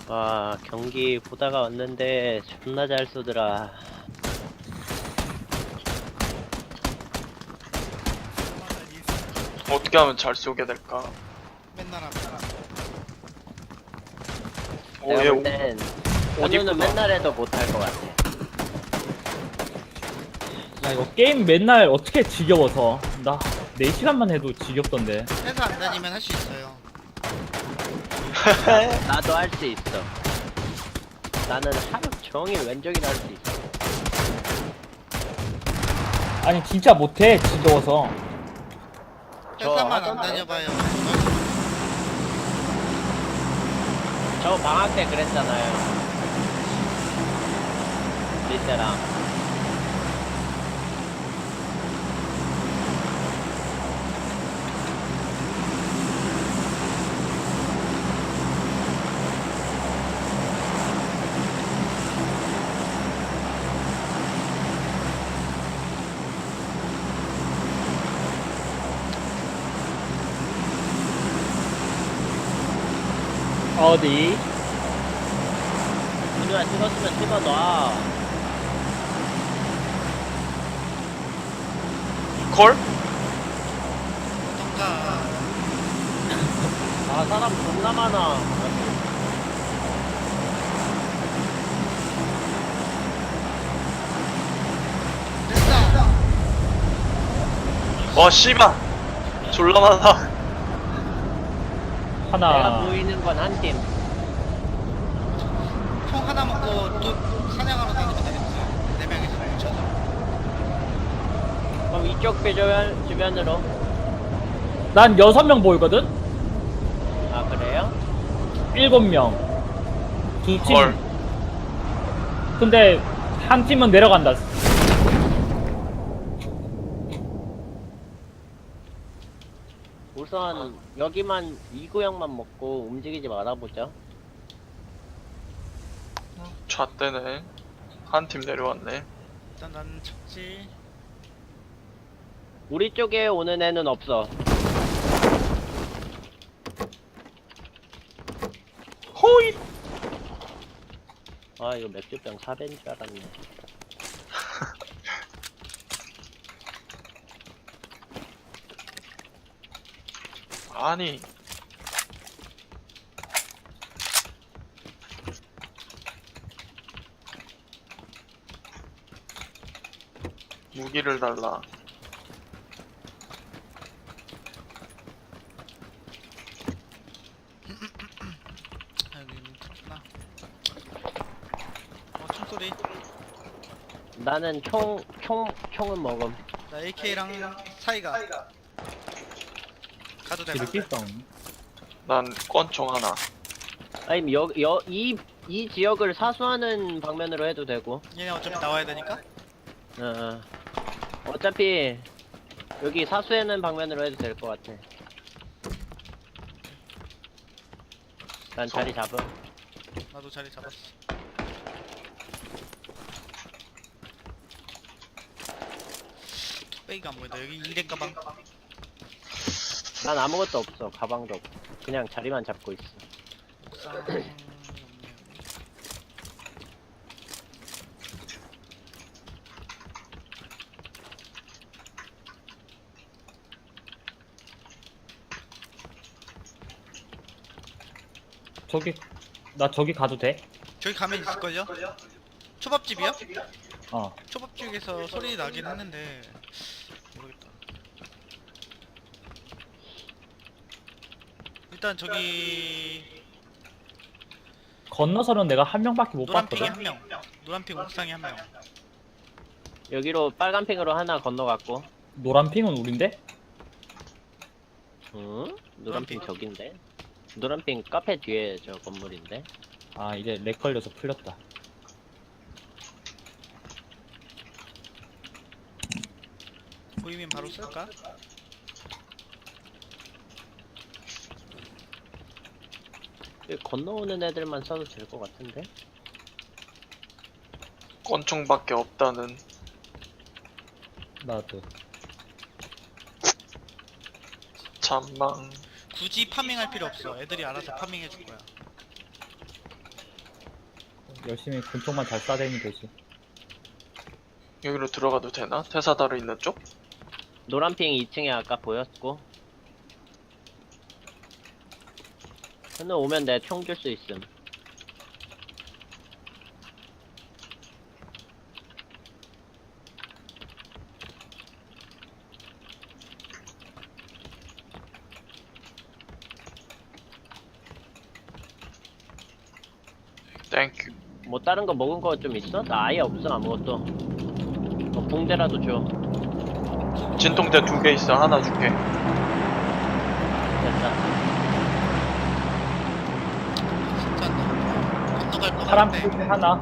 와, 경기 보다가 왔는데 존나 잘 쏘더라. 어떻게 하면 잘 쏘게 될까? 맨날 하면 내가 얘 볼땐 옷 현우는 이쁘다. 맨날 해도 못할 것 같아. 야 이거 게임 맨날 어떻게 지겨워서 나 4시간만 해도 지겹던데. 회사 안 다니면 할 수 있어요. 나도 할 수 있어. 나는 하루 종일 왼쪽이나 할 수 있어. 아니 진짜 못해 지겨워서. 회사만 안 하던데. 다녀봐요. 저 방학 때 그랬잖아요. 리세랑. 어디? 누나 찍었으면 찍어놔. 콜? 어떤가. 아, 사람 존나 많아. 됐다. 와 씨발 졸라 많아. 내가 하나. 보이는 건 한 팀. 총 하나 먹고 또 사냥하러 다니면 되겠어요. 4명이서 뭉쳐서. 그럼 이쪽 주변으로. 난 6명 보이거든? 아, 그래요? 7명. 두 팀. 헐. 근데 한 팀은 내려간다. 우선 여기만 이 구역만 먹고 움직이지 말아보자. 잣대네. 한 팀 내려왔네. 일단 나는 찾지. 우리 쪽에 오는 애는 없어. 호잇. 아, 이거 맥주병 4배인 줄 알았네. 아니 무기를 달라. 아, 여기 뭉쳤구나. 총소리. 나는 총은 먹음. 나 AK랑 사이가. 가도 돼. 이렇게 있어. 난 권총 하나. 아니면 이 지역을 사수하는 방면으로 해도 되고. 얘네 어차피 나와야 되니까. 어. 어차피 여기 사수하는 방면으로 해도 될 것 같아. 난 자리 잡음. 나도 자리 잡았어. 뚝배기가 안 보인다. 여기 2대 가방. 난 아무것도 없어. 가방도 없고. 그냥 자리만 잡고 있어. 옥상 없네요. 저기 나 저기 가도 돼? 저기 가면 있을걸요? 초밥집이요? 어. 초밥집에서 소리 나긴 했는데 모르겠다. 일단 저기 건너서는 내가 한 명밖에 못 노란핑이 봤거든. 한 명, 노란핑 옥상에 한 명. 여기로 빨간 핑으로 하나 건너갔고. 노란핑은 우린데? 응? 노란핑 노란핑. 저긴데? 노란핑 카페 뒤에 저 건물인데? 아 이제 렉 걸려서 풀렸다. 보이면 바로 쏠까? 여기 건너오는 애들만 써도 될 것 같은데? 권총밖에 없다는. 나도. 잔망. 굳이 파밍할 필요 없어. 애들이 알아서 파밍해 줄 거야. 열심히 권총만 잘 쏴대면 되지. 여기로 들어가도 되나? 테사다르 있는 쪽? 노란핑 2층에 아까 보였고. 현우 오면 내 총 줄 수 있음. 땡큐. 뭐 다른 거 먹은 거 좀 있어? 나 아예 없어 아무것도. 붕대라도 줘. 진통제 2개 있어. 하나 줄게. 됐다. 진짜 나 건너갈 거 파란 같은데. 풀 하나.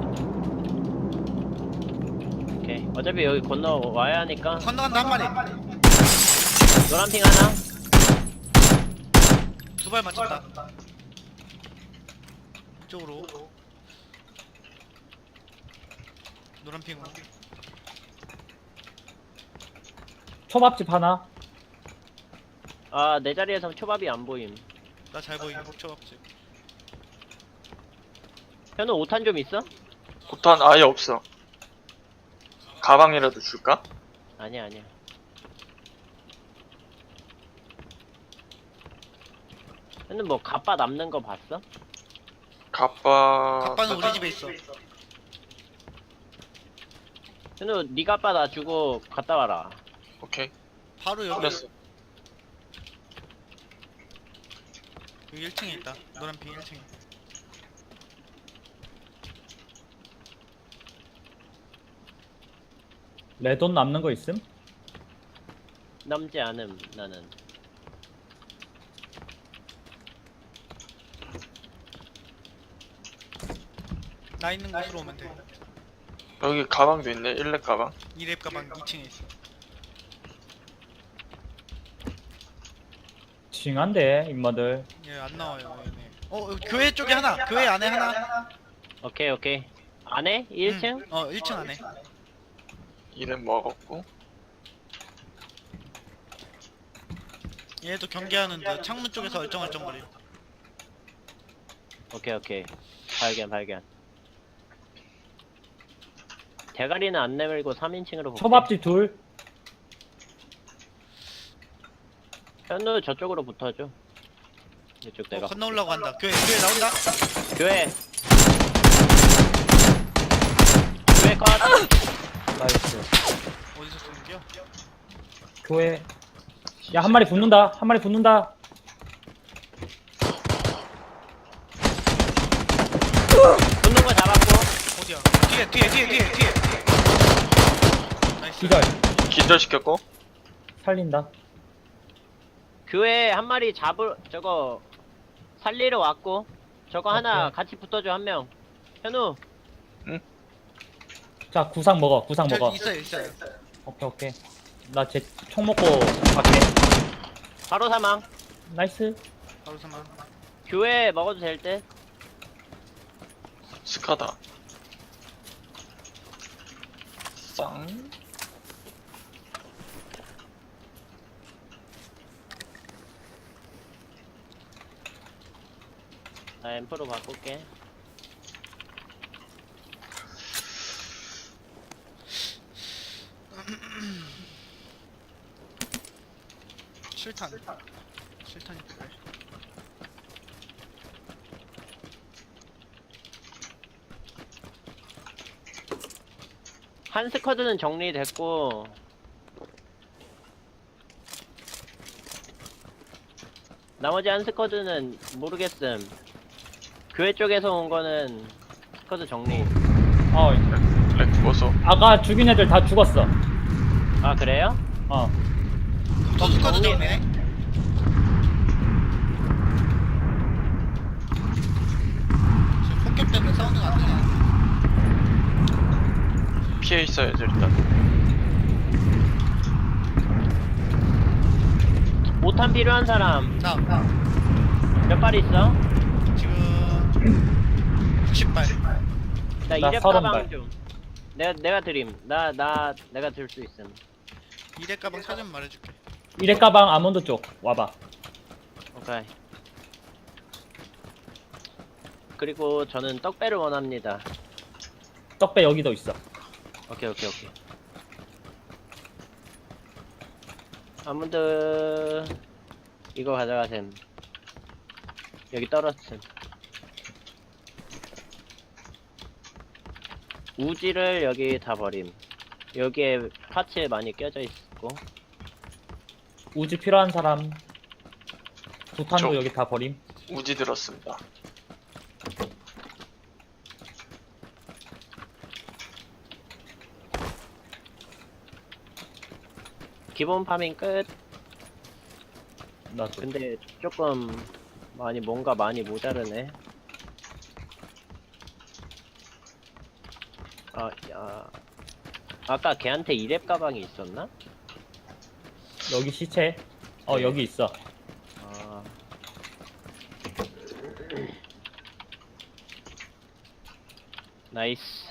오케이. 어차피 여기 건너 와야 하니까. 건너간다 한 마리. 노란핑 하나. 두 발 맞췄다. 이쪽으로. 노란 핑으로. 초밥집 하나. 아, 내 자리에서 초밥이 안 보임. 나 잘 보이는 목초밥집. 현우 5탄 좀 있어? 포탄 아예 없어. 가방이라도 줄까? 아니야, 아니야. 현우 뭐 갑바 남는 거 봤어? 갑바는 우리 집에 있어. 현우 네 갑바 나 주고 갔다 와라. 오케이. 바로 여기. 끝냈어. 여기 1층에 있다. 노란 핑 1층에. 레돈 남는 거 있음? 남지 않음 나는. 나 있는 곳으로 오면 돼. 여기 가방도 있네. 일렙 가방. 이랩 가방 2층에 있어. 징한데 임마들. 얘 안 나와요 얘네. 교회 쪽에 하나. 교회 안에 하나. 오케이 오케이. 안에? 1층? 1층 안에. 일렙 먹었고. 얘도 경계하는데 창문 쪽에서 얼쩡얼쩡거려. 오케이 오케이. 발견. 대가리는 안 내밀고 3인칭으로 볼게. 초밥집 둘. 현우 저쪽으로 붙어줘. 이쪽 내가. 건너 올라고 한다. 교회 나온다. 교회. 교회 컷. 나이스. 어디서 쏘는겨? 교회. 야, 한 마리 붙는다. 한 마리 붙는다. 붙는 거 잡았고. 어디야? 뒤에. 나이스. 기절. 기절시켰고. 살린다. 교회 한 마리 저거 살리러 왔고. 저거 하나 오케이. 같이 붙어줘 한 명. 현우. 자, 구상 먹어. 구상 먹어. 있어요. 오케이. 나 제 총 먹고 갈게. 바로 사망. 나이스. 바로 사망. 교회 먹어도 될 듯. 스카다. 쌍. 나 앰프로 바꿀게. 실탄이 필요해. 한 스쿼드는 정리됐고. 나머지 한 스쿼드는 모르겠음. 교회 쪽에서 온 거는 스쿼드 정리. 어, 렉 죽었어. 아까 죽인 애들 다 죽었어. 아 그래요? 어. 스쿼드 정리- 정리네. 지금 폭격 때문에 사운드가 안 나네. 피해 있어야지 일단. 5탄 필요한 사람 나 몇 발 있어? 지금 90발. 나 나 이랩 30 가방 발. 좀. 내가 드림. 내가 들 수 있음. 이랩 가방 사전 말해줄게. 이래 가방 아몬드 쪽 와봐. 오케이. 그리고 저는 떡배를 원합니다. 떡배 여기도 있어. 오케이. 아무도 이거 가져가셈. 여기 떨어짐. 우지를 여기 다 버림. 여기에 파츠 많이 껴져 있고. 우지 필요한 사람. 부탄도 저- 여기 다 버림. 우지 들었습니다. 기본 파밍 끝. 나도. 근데 조금 뭔가 많이 모자르네. 아까 걔한테 이랩 가방이 있었나? 여기 시체. 네. 여기 있어. 아. 나이스.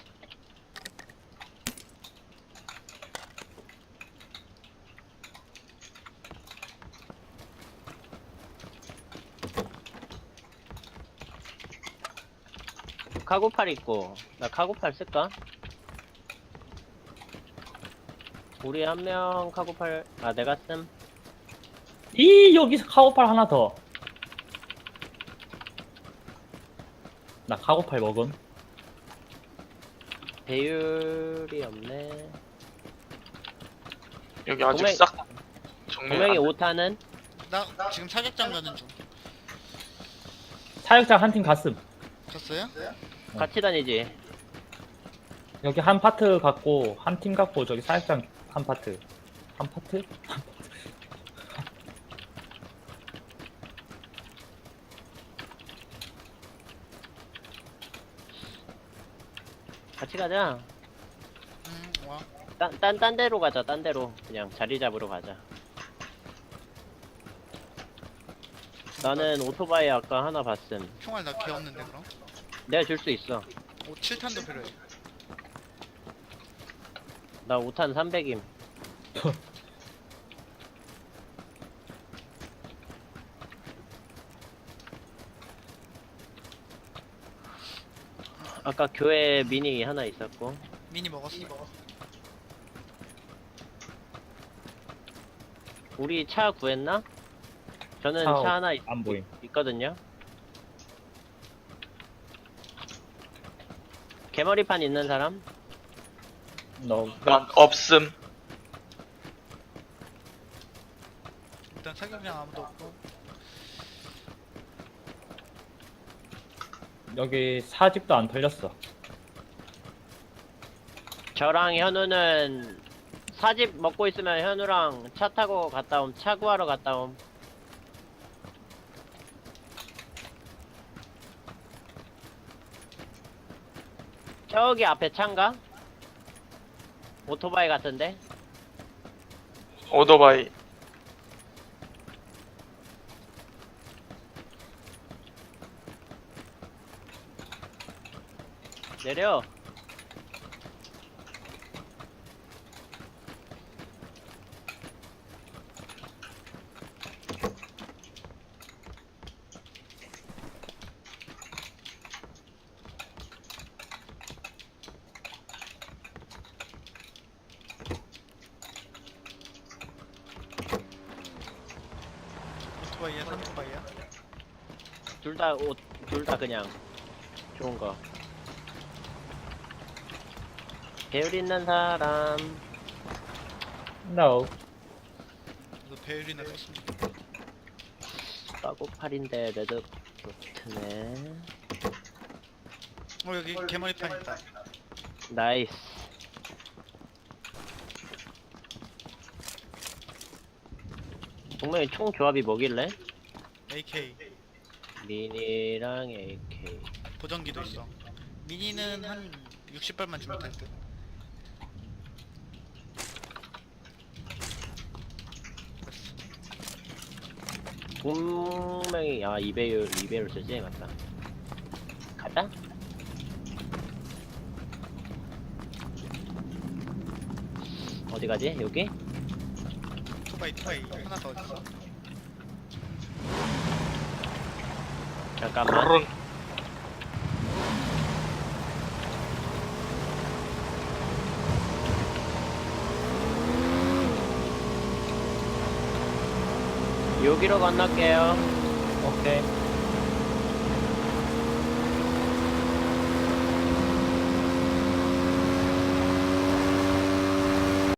카고팔 있고, 나 카고팔 쓸까? 우리 한 명 카고팔, 내가 씀. 여기서 카고팔 하나 더. 나 카고팔 먹음. 배율이 없네. 여기 아직 동맹- 싹 정리 분명히 안 5탄은? 나 지금 사격장 가는 중. 사육장 한 팀 갔음. 갔어요? 같이 다니지. 여기 한 파트 갖고 한 팀 갖고 저기 사육장 한 파트. 한 파트? 같이 가자. 와. 딴 데로 가자, 딴 데로. 그냥 자리 잡으러 가자. 나는 오토바이 아까 하나 봤음. 총알 나 개 없는데 그럼? 내가 줄 수 있어. 7탄도 필요해. 나 5탄 300임. 아까 교회 미니 하나 있었고. 미니 먹었어. 우리 차 구했나? 저는 차 차 하나 안 보임. 있거든요. 개머리판 있는 사람? 너 난 없음. 일단 사격장 아무도 없고. 여기 사집도 안 털렸어. 저랑 현우는 사집 먹고 있으면 현우랑 차 타고 갔다 옴. 차 구하러 갔다 옴. 저기 앞에 차인가? 오토바이 같은데? 오토바이. 내려. 오토바이야, 산토바이야. 둘 다 그냥 좋은 거. 배율 있는 사람. No. 너 배율이나 썼습니다. 까고팔인데 레드 도트네. 여기 개머리판 있다. 나이스. 분명히 총 조합이 뭐길래? AK 미니랑 AK. 보정기도 있어. 미니는 한 60발만 주면 될 듯. 분명히 2배율 쓰지 맞다. 가자. 어디 가지? 여기? 투바이 하나 더 있어. 잠깐만. 르른. 여기로 건널게요. 오케이.